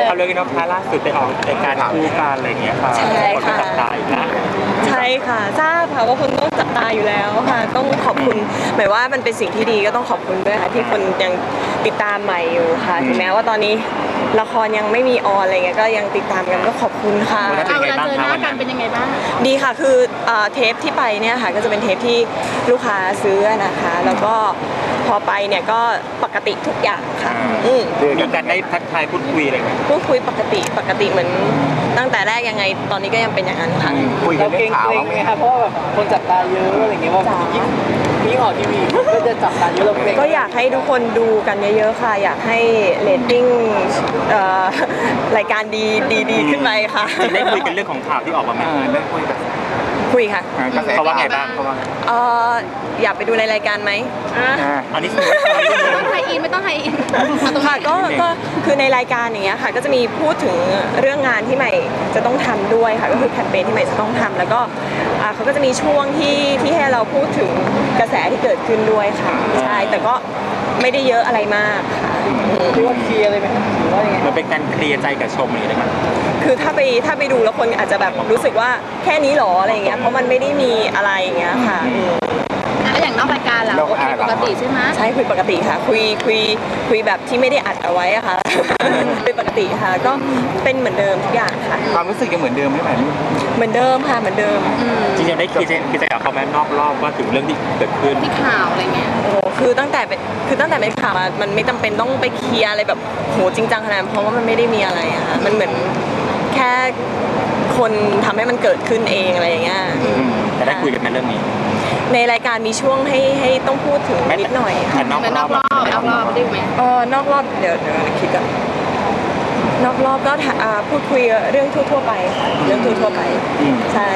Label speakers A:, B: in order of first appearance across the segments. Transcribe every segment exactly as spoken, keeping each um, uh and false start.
A: เอาเรื่องนี้น้องคะล่าสุดไปออกรายการคู่กันอะไรอย่างเงี้ยค่ะใช่ค่ะจับตาอีกนะ
B: ใช่ค่ะทราบค่ะว่าคุณต้องจับตาอยู่แล้วค่ะต้องขอบคุณหมายว่ามันเป็นสิ่งที่ดีก็ต้องขอบคุณด้วยค่ะที่คนยังติดตามใหม่อยู่ค่ะถึงแม้ว่าตอนนี้ละครยังไม่มีออนอะไรเงี้ยก็ยังติดตามกันก็ขอบคุณค่ะ
C: เวลาเจอหน้ากันเป็นยังไงบ้าง
B: ดีค่ะคือเทปที่ไปเนี่ยค่ะก็จะเป็นเทปที่ลูกค้าซื้อนะคะแล้วก็พอไปเนี่ยก็ปกติทุกอย่างค่ะ
A: มีการได้ทักทายพูดคุยอะไรไหม
B: พูดคุยปกติปกติเหมือนตั้งแต่แรกยังไงตอนนี้ก็ยังเป็นอย่างนั้นค่ะ
D: คุยกันเรื่องข่าวไหมคะเพราะว่าแบบคนจับตาเยอะอะไรเงี้ยว่ายิ่งยิ่งออกทีวีก็จะจับตาเยอะเราเอง
B: ก็อยากให้ทุกคนดูกันเยอะๆค่ะอยากให้เรตติ้งรายการดีดีขึ้นไปค่ะ
A: ได้คุยกันเรื่องของข่าวที่ออกมาไหมได้คุยกัน
B: คุยค่ะ
A: เขาว่าไงบ้างเขาว่า
B: เอออยากไปดูในรายการไหม
A: อันนี้
C: ไม่ต้องไฮอินไม่ต้องไฮอิน
B: ค่ะก็ก็คือในรายการอย่างเงี้ยค่ะก็จะมีพูดถึงเรื่องงานที่ใหม่จะต้องทำด้วยค่ะก็คือแคมเปญที่ใหม่จะต้องทำแล้วก็เขาก็จะมีช่วงที่ที่ให้เราพูดถึงกระแสที่เกิดขึ้นด้วยค่ะใช่แต่ก็ไม่ได้เยอะอะไรมากค่ะ
D: คิดว่าเคลียร์เลยไหมหรือว่ายังไง
A: มันเป็นการเคลียร์ใจกับชมอะไรไหม
B: คือถ้าไปถ้าไปดูแล้วคนอาจจะแบบรู้สึกว่าแค่นี้หรออะไรอย่างเงี้ยเพราะมันไม่ได้มีอะไรอย่างเงี้ยค่ะ
C: แล้วอย่างนอกรายการล่ะโอเคปกติใช่ไหม
B: ใช่คุยปกติค่ะคุยคุยคุยแบบที่ไม่ได้อัดเอาไว้อะค่ะเป็นปกติค่ะก็เป็นเหมือนเดิมทุกอย่างค่ะ
D: ความรู้สึกยังเหมือนเดิมไหมแบบนี้
B: เหมือนเดิมค่ะเหมือนเดิม
A: จริงๆได้คิดคิดใจกับเขาแม้นอกรอบว่าถึงเรื่องที่เกิดขึ้น
C: ที่ข่าวอะไรเงี้ย
B: โอ้คือตั้งแต่เป็นคือตั้งแต่เป็นข่าวมันไม่จำเป็นต้องไปเคลียร์อะไรแบบโหจริงจังขนาดนั้นเพราะว่ามันไม่ได้มีอะไรอะค่ะมันเหมือนแค่คนทำให้มันเกิดขึ้นเองอะไรอย่างเงี้ย
A: แต่ได้คุยกันในเรื่องนี้
B: ในรายการมีช่วงให้ให้ต้องพูดถึงนิดหน่อย
A: ค่ะนอก
C: รอบนอกรอบได้ไหม
B: เออนอกรอบเดี๋ยวเดี๋ยวคิดก่อนนอกรอบก็พูดคุยเรื่องทั่วๆไปค่ะเรื่องทั่วๆไปใช่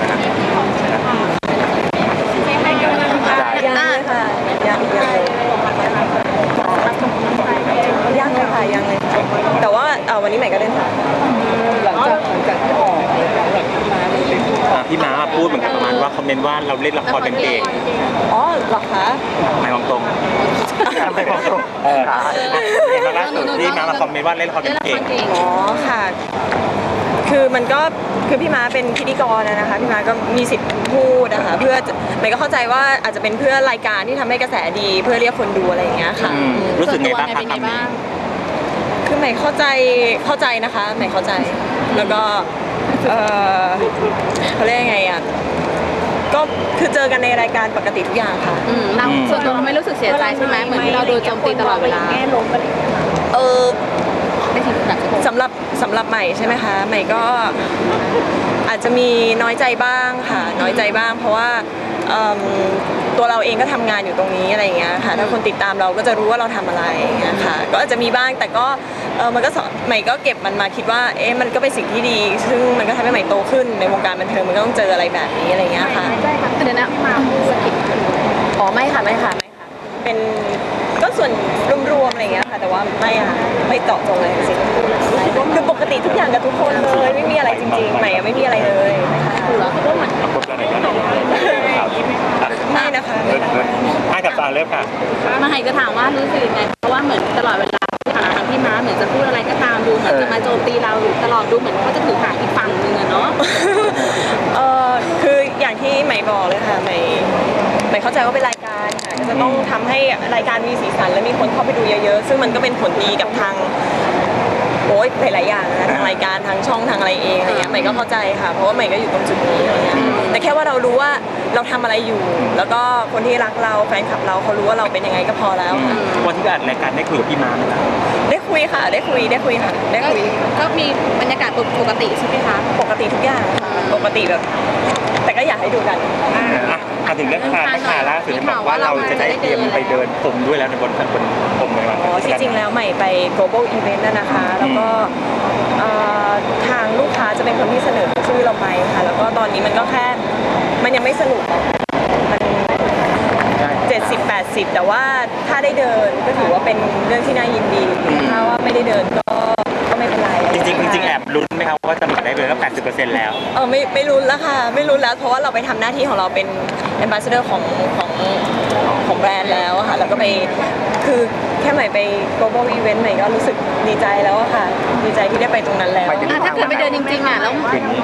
B: ยังเลยค่ะยังยังยังเลยค่ะยังเลยแต่ว่าวันนี้ใหม่ก็เล่นค่ะ
D: หลังจากหลังจากที่ออก
A: พี่ม้าพูดเหมือนกันประมาณว่าคอมเมนต์ว่าเราเล่นละครเป็นเก่ง
B: อ๋อเหรอคะ
A: ไม่มองตรงไม่มองตรงเออเห็นมาล่าสุดที่ม้ามาคอมเมนต์ว่าเล่นละครเป็นเก่ง
B: อ๋อค่ะคือมันก็คือพี่ม้าเป็นพิธีกรนะคะพี่ม้าก็มีสิทธิ์พูดนะคะเพื่อใหม่ก็เข้าใจว่าอาจจะเป็นเพื่อรายการที่ทำให้กระแสดีเพื่อเรียกคนดูอะไรอย่างเงี้ยค่ะ
A: รู้สึกไงบ้างคะคำนี้
B: คือใหม่เข้าใจเข้าใจนะคะใหม่เข้าใจแล้วก็เออเขาเรียกยังไงอ่ะก็คือเจอกันในรายการปกติทุกอย่างค่ะ
C: เราส่วนตัวเราไม่รู้สึกเสียใจใช่ไหมเหมือนที่เราโดนโจมตีตลอดเวลา
B: เออสำหรับสำหรับใหม่ใช่ไหมคะใหม่ก็อาจจะมีน้อยใจบ้างค่ะน้อยใจบ้างเพราะว่าตัวเราเองก็ทำงานอยู่ตรงนี้อะไรอย่างเงี้ยค่ะถ้าคนติดตามเราก็จะรู้ว่าเราทำอะไรอย่างเงี้ยค่ะก็อาจจะมีบ้างแต่ก็เออมันก็ใหม่ก็เก็บมันมาคิดว่าเอ๊ะมันก็เป็นสิ่งที่ดีซึ่งมันก็ทำให้ใหม่โตขึ้นในวงการบันเทิงมันก็ต้องเจออะไรแบบนี้อะไรเงี้ยค่ะ
C: ใช่ค่ะเดี๋ยวนะพี่มาสกิด
B: อ๋อไม่ค่ะไม่ค่ะไม่ค่ะเป็นก็ส่วนรวมๆอะไรเงี้ยค่ะแต่ว่าไม่ค่ะไม่เจาะจงเลยจริงคือปกติทุกอย่างกับทุกคนเลยไม่มีอะไรจริงๆใหม่ไม่มีอะไรเลย
C: คือเราก็เหมือน
B: ไม่นะคะ
A: ให้กับตาเลิกค่ะ
C: มาให้จะถามว่ารู้สึกยังไงเพราะว่าเหมือนตลอดเวลาที่ผ่านมาพี่ม้าเหมือนจะพูดอะไรก็ตามดูเหมือนจะมาโจมตีเราตลอดดูเหมือนเขาจะถือหางอีกฝั่งนึงอะเนาะ
B: เออคืออย่างที่ใหม่บอกเลยค่ะใหม่ใหม่เข้าใจว่าเป็นรายการค่ะก็จะต้องทำให้รายการมีสีสันและมีคนเข้าไปดูเยอะๆซึ่งมันก็เป็นผลดีกับทางโอ้ยหลายๆอย่างนะทางรายการทางช่องทางอะไรเองอะไรเงี้ยใหม่ก็เข้าใจค่ะเพราะว่าใหม่ก็อยู่ตรงจุดนี้อะไรเงี้ยแต่แค่ว่าเรารู้ว่าเราทำอะไรอยู่แล้วก็คนที่รักเราแฟนคลับเราเขารู้ว่าเราเป็นยังไงก็พอแล้ว
A: วันที่อัดรายการได้คุยกับพี่ม้าไหมคะ
B: ได้คุยค่ะได้คุยได้คุยค่ะได้คุย
C: ก็มีบรรยากาศปกติใช่ไหมคะ
B: ปกติทุกอย่างปกติแบบแต่ก็อยากให้ดูกัน
A: อ่ะถึงเรื่องคาร์คาร์ล่าสุดบอกว่าเราจะได้เตรียมไปเดินพรมด้วยแล้วในบนบนพรมในวัน
B: อ๋อที่จริงแล้วใหม่ไป global event นะคะแล้วก็ทางลูกค้าจะเป็นคนที่เสนอชื่อเราไปค่ะแล้วก็ตอนนี้มันก็แค่มันยังไม่สรุปมันเจ็ดสิบแปดสิบแต่ว่าถ้าได้เดินก็ถือว่าเป็นเรื่องที่น่ายินดีถ้าว่าไม่ได้เดินก็ก็ไม่เป็นไร
A: จริงจริงแอบลุ้นไหมครับว่าจะได้เดินก็แปดสิบเปอร์เซ็นต์แล้ว
B: เออไม่ไม่ลุ้นแล้วค่ะไม่ลุ้นแล้วเพราะว่าเราไปทำหน้าที่ของเราเป็น ambassador ของของของแบรนด์แล้วค่ะแล้วก็ไปคือแค่ใหม่ไป global event ใหม่ก็รู้สึกดีใจแล้วอะค่ะ ดีใจที่ได้ไปตรงนั้นแล้ว
C: อ่ะถ้าเกิดไปเดินจริงๆอ่ะแล้ว
A: คืนนี้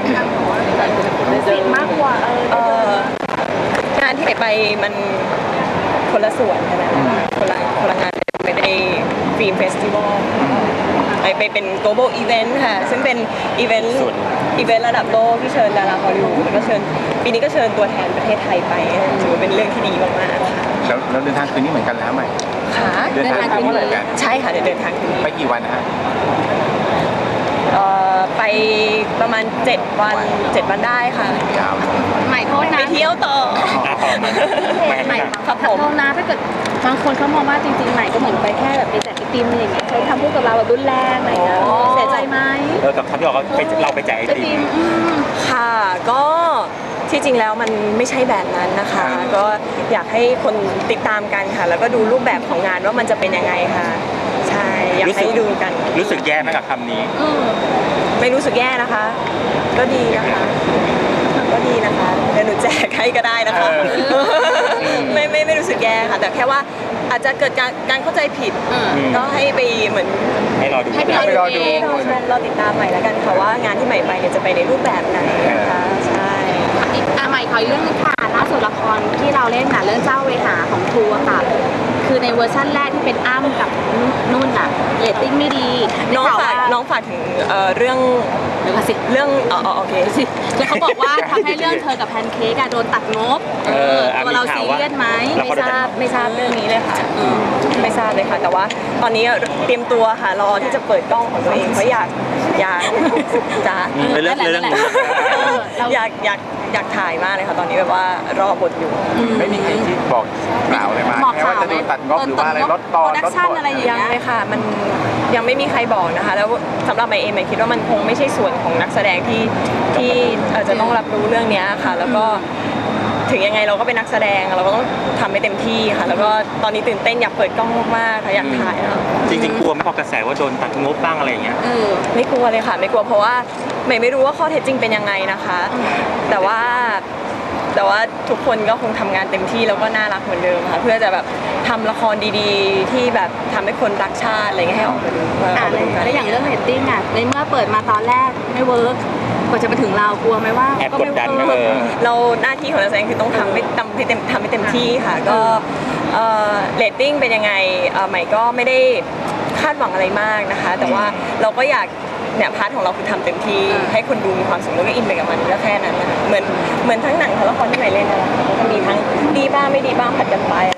C: สิ่งมากกว่าเออ
B: เอ่องานที่ไปมันคนละส่วนกันนะคนละคนละงานไม่ได้ฟิล์มเฟสติวัลไปไปเป็น global event ค่ะ ซึ่งเป็นอีเวนต์อีเวนต์ระดับโลกที่เชิญดาราฮอลลีวูดแล้วก็เชิญปีนี้ก็เชิญตัวแทนประเทศไทยไปถือว่าเป็นเรื่องที่ดีมากๆค่ะ
E: แล้วแล้วเดินทางคืนนี้เหมือนกันแล้วไหม
B: ค่ะ
E: เดินทางคืนนี้เหมือนกัน
B: ใช่ค่ะเดี๋ยวเดินทางคืนนี้
E: ไปกี่วันนะฮะ
B: เอ่อไปประมาณเจ็ดวันเจ็ดวันได้ค่ะ
E: ยาว
C: ใหม่โทษ
B: ไป
C: นะ
B: เที่ยวต่อ
A: อ่ะต่อมาแม่
C: ใหม่
A: ไม่
B: ครับผม
C: โทษนะถ้าเกิดบางคนเขามองว่าจริงๆใหม่ก็เหมือนไปแค่แบบไปแจกไอติมอะไรอย่างเงี้ยใช้คำพูดกับเราแบบรุนแรงอะไรอย่างเงี้ย
B: อ๋อ
C: เสียใจไหม
A: เออกับคำที่บอกว่าไปเราไปแจกไอ
C: ไอ
A: ติ
C: ติ
A: ม
C: มอืม
B: ค่ะก็ที่จริงแล้วมันไม่ใช่แบบนั้นนะคะ ก็อยากให้คนติดตามกันค่ะ แล้วก็ดูรูปแบบของงานว่ามันจะเป็นยังไงค่ะ ใช่อยาก
A: รู้สึ
B: ให้
A: ก
B: ดูกัน
A: รู้สึกแย่ไหมกับคำนี้
C: เออ
B: ไม่รู้สึกแย่นะคะ ก็ดีนะคะ ก็ดีนะคะเดี๋ยวหนูแจกให้ก็ได้นะคะ
A: เออ
B: ไม่ไม่ไม่รู้สึกแย่ค่ะ แต่แค่ว่าอาจจะเกิดการการเข้าใจผิด
C: เออ
B: ก็ให้ไปเหมือน
A: ให้รอดู
C: ให้ไป
E: ไปรอดู
C: เอง
B: เราเราติดตามใหม่แล้วกันค่ะว่างานที่ใหม่ไปเนี่ยจะไปในรูปแบบไหนนะคะใช่
C: อีกอ่ะใหม่ขออีกเรื่องนึงค่ะล่าสุดละครที่เราเล่นน่ะเรื่องเจ้าเวหาของครูอะค่ะ คือในเวอร์ชั่นแรกที่เป็นอ้ำกับนุ่นอะเรตติ้งไม่ดี
B: น้อง
C: ได้ข่ว
B: ฝาก
C: ว่
B: น้องฝากถึงเอ่อเรื่อง
C: เดี๋ยวก่อนสิ
B: เรื่องอ๋ออ๋อโอเค
C: สิแล้วเขาบอกว่าทำให้เรื่องเธอกับแพนเค้กอะโดนตัดงบ
A: เอออ่ะ
C: ตัวเรา
A: มีข่า
C: ซี
A: วว่า
C: เรียสไหม
A: แล้ว
B: ไม่
A: เขา
B: ทราบไม่ทราบเรื่องนี้เลยค่ะไม่ทราบเลยค่ะ แต่ว่าตอนนี้เตรียมตัวค่ะรอที่จะเปิดกล้องของตัวเองเพราะอยากอยากจ้า
A: อืมเรื่องเรื่อง
C: นั่นแหละ
A: เรื่อง
C: เออเรา
B: อยากอยากอยากถ่ายมากเลยค่ะ ตอนนี้แบบว่ารอบทอยู่
E: ไม่มีใครที่บอกกล่าวอะไรมา
C: บอก
E: แค่ว่า
C: ข่าว
E: จะโดนตัดงบหรือว่าอะไรลดต
C: โป
E: อ
C: ร
E: น
C: ดั
E: ล
C: ก
E: ด
C: ชั่น
E: บท
C: อะไรอย่าง
B: ยัง
C: เงี้ย
B: เลยค่ะ มันยังไม่มีใครบอกนะคะ แล้วสำหรับใหม่เองใหม่คิดว่ามันคงไม่ใช่ส่วนของนักแสดงที่ที่เอ่อจะต้องรับรู้เรื่องเนี้ยค่ะ แล้วก็ถึงยังไงเราก็เป็นนักแสดงเราก็ต้องทำให้เต็มที่ค่ะ แล้วก็ตอนนี้ตื่นเต้นอยากเปิดกล้องมากๆค่ะอยากถ่ายแล้ว
A: จริงๆกลัวไหม่พอกระแสว่าโดนตัดงบบ้างอะไรอย่างเงี้ย
C: เออ
B: ไม่กลัวเลยค่ะ ไม่กลัวเพราะว่าใหม่ไม่รู้ว่าข้อเท็จจริงเป็นยังไงนะคะ แต่ว่าแต่ว่าทุกคนก็คงทำงานเต็มที่แล้วก็น่ารักเหมือนเดิมค่ะเพื่อจะแบบทำละครดีๆ ที่แบบทำให้คนรักชาติอะไรเงี้ยให้ออกมาดูเออ
C: อ่า
B: ออกมาดูกัน
C: แล้วอย่างเรื่องเรตติ้งอ่ะในเมื่อเปิดมาตอนแรกไม่เวิร์กกว่าจะมาถึงเรากลัวไหมว่า
A: แอบ
C: ก็
A: ก
C: ไม่
A: ดดัน
C: เวิ
A: เอ
C: ร์ก
A: อ
B: เราหน้าที่ของนักแสดงคือต้องทำให้ทำให้เต็มทำให้เต็มที่ค่ะ ก็เอ่อเรตติ้งเป็นยังไงเอ่อใหม่ก็ไม่ได้คาดหวังอะไรมากนะคะ แต่ว่าเราก็อยากเนี่ยพาร์ทของเราคือทำเต็มที่ให้คนดูมีความสุขแล้วก็อินไปกับมันก็แค่นั้นนะคะเหมือนเหมือนทั้งหนังทั้งละครที่ใหม่เล่นนะคะก็มีทั้งดีบ้างไม่ดีบ้างผัดกันไปอะไร